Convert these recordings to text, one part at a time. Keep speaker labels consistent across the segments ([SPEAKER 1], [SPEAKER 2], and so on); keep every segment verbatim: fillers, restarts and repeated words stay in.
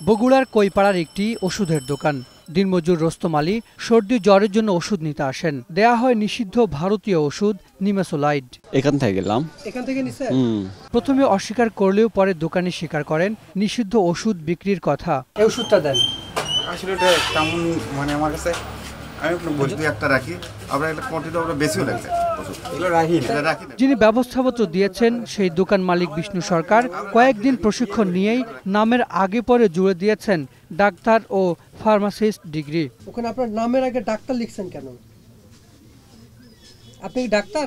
[SPEAKER 1] বগুড়ার কৈপাড়ার একটি ওষুধের দোকান। দিনমজুর রোস্তম আলী সর্দি জ্বরের জন্য ওষুধ নিতে আসেন। দেয়া হয় নিষিদ্ধ ভারতীয় ওষুধ নিমেসোলাইড।
[SPEAKER 2] এখান থেকে গেলাম।
[SPEAKER 1] এখান থেকে নিছেন? প্রথমে অস্বীকার করলেও পরে দোকানি স্বীকার করেন নিষিদ্ধ ওষুধ বিক্রির কথা। এই ওষুধটা দেন।
[SPEAKER 3] আসলে এটা কেমন মানে আমার কাছে আমি বলতে একটা রাখি, আমরা একটা কোয়ান্টিটি আমরা বেশিও লাগছে।
[SPEAKER 1] যিনি ব্যবস্থাপত্র দিয়েছেন সেই দোকান মালিক বিষ্ণু সরকার কয়েকদিন প্রশিক্ষণ নিয়েই নামের আগে পরে জুড়ে দিয়েছেন ডাক্তার ও ফার্মাসিস্ট ডিগ্রি।
[SPEAKER 4] ওখানে আপনার নামের আগে ডাক্তার লিখছেন কেন? আপনি কি ডাক্তার?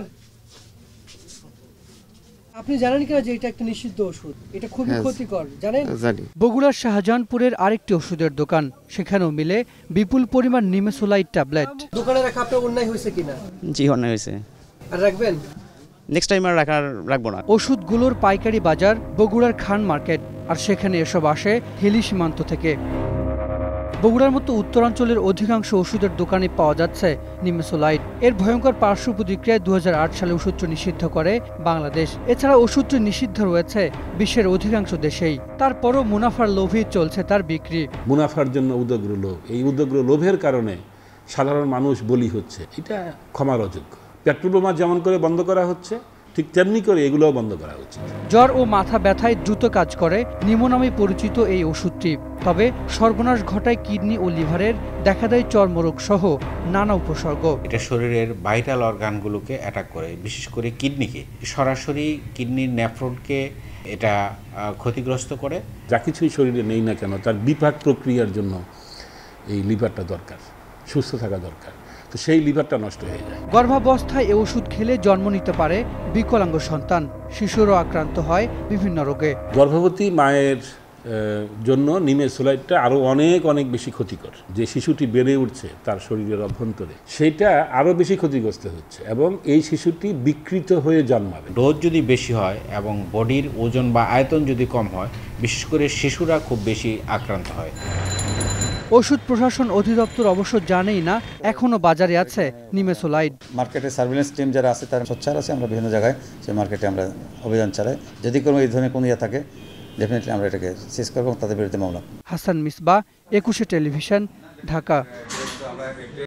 [SPEAKER 4] আপনি জানেন কিনা যে এটা একটা নিষিদ্ধ ওষুধ? এটা খুবই ক্ষতিকর, জানেন?
[SPEAKER 2] জানি।
[SPEAKER 1] বগুড়ার শাহজাহানপুরের আরেকটি ওষুধের দোকান, সেখানেও মিলে বিপুল পরিমাণ নিমেসোলাইড ট্যাবলেট।
[SPEAKER 4] দোকানে রাখা আপনার অন্যায় হয়েছে কিনা?
[SPEAKER 2] জি, অন্যায় হয়েছে।
[SPEAKER 4] আর রাখবেন?
[SPEAKER 2] নেক্সট টাইম আর রাখার রাখবো না।
[SPEAKER 1] ওষুধগুলোর পাইকারি বাজার বগুড়ার খান মার্কেট, আর সেখানে এসব আসে হিলি সীমান্ত থেকে। বগুড়ার মতো উত্তরাঞ্চলের অধিকাংশ ওষুধের দোকানে পাওয়া যাচ্ছে নিমেসোলাইড। এর ভয়ঙ্কর পার্শ্ব প্রতিক্রিয়ায় দু হাজার আট সালে ওষুধটি নিষিদ্ধ করে বাংলাদেশ। এছাড়া ওষুধটি নিষিদ্ধ রয়েছে বিশ্বের অধিকাংশ দেশেই। তারপরও মুনাফার লোভেই চলছে তার বিক্রি।
[SPEAKER 5] মুনাফার জন্য উদগ্র লোভ, এই উদগ্র লোভের কারণে সাধারণ মানুষ বলি হচ্ছে। এটা ক্ষমার অযোগ্য। পেট্রোল বোমা যেমন করে বন্ধ করা হচ্ছে, ঠিক তেমনি করে এগুলোও বন্ধ করা উচিত।
[SPEAKER 1] জ্বর ও মাথা ব্যথায় দ্রুত কাজ করে নিমো নামে পরিচিত এই ওষুধটি। তবে সর্বনাশ ঘটায় কিডনি ও লিভারের, দেখা দেয় চর্মরোগ সহ নানা উপসর্গ।
[SPEAKER 6] এটা শরীরের ভাইটাল অর্গানগুলোকে অ্যাটাক করে, বিশেষ করে কিডনিকে। সরাসরি কিডনির নেফ্রনকে এটা ক্ষতিগ্রস্ত করে।
[SPEAKER 5] যা কিছুই শরীরে নেই না কেন, তার বিপাক প্রক্রিয়ার জন্য এই লিভারটা দরকার, সুস্থ থাকা দরকার। তো সেই লিভারটা নষ্ট হয়ে যায়।
[SPEAKER 1] গর্ভাবস্থায় এ ওষুধ খেলে জন্ম নিতে পারে বিকলাঙ্গ সন্তান, শিশুরও আক্রান্ত হয় বিভিন্ন রোগে।
[SPEAKER 5] গর্ভবতী মায়ের জন্য নিমেসোলাইডটা আরও অনেক অনেক বেশি ক্ষতিকর। যে শিশুটি বেড়ে উঠছে তার শরীরের অভ্যন্তরে, সেটা আরও বেশি ক্ষতিগ্রস্ত হচ্ছে এবং এই শিশুটি বিকৃত হয়ে জন্মাবে।
[SPEAKER 6] ডোজ যদি বেশি হয় এবং বডির ওজন বা আয়তন যদি কম হয়, বিশেষ করে শিশুরা খুব বেশি আক্রান্ত হয়।
[SPEAKER 1] ওষুধ প্রশাসন অধিদপ্তর অবশ্য জানেই না এখনো বাজারে আছে নিমেসোলাইড।
[SPEAKER 7] মার্কেটে সার্ভিলেন্স টিম যারা আছে তারা সোচ্চার আছে। আমরা বিভিন্ন জায়গায় সেই মার্কেটে আমরা অভিযান চালাই। যদি কোনো এই ধরনের কোনো ইয়ে থাকে, ডেফিনেটলি আমরা এটাকে সিজ করব, তাদের বিরুদ্ধে মামলা।
[SPEAKER 1] হাসান মিসবাহ, একুশে টেলিভিশন, ঢাকা।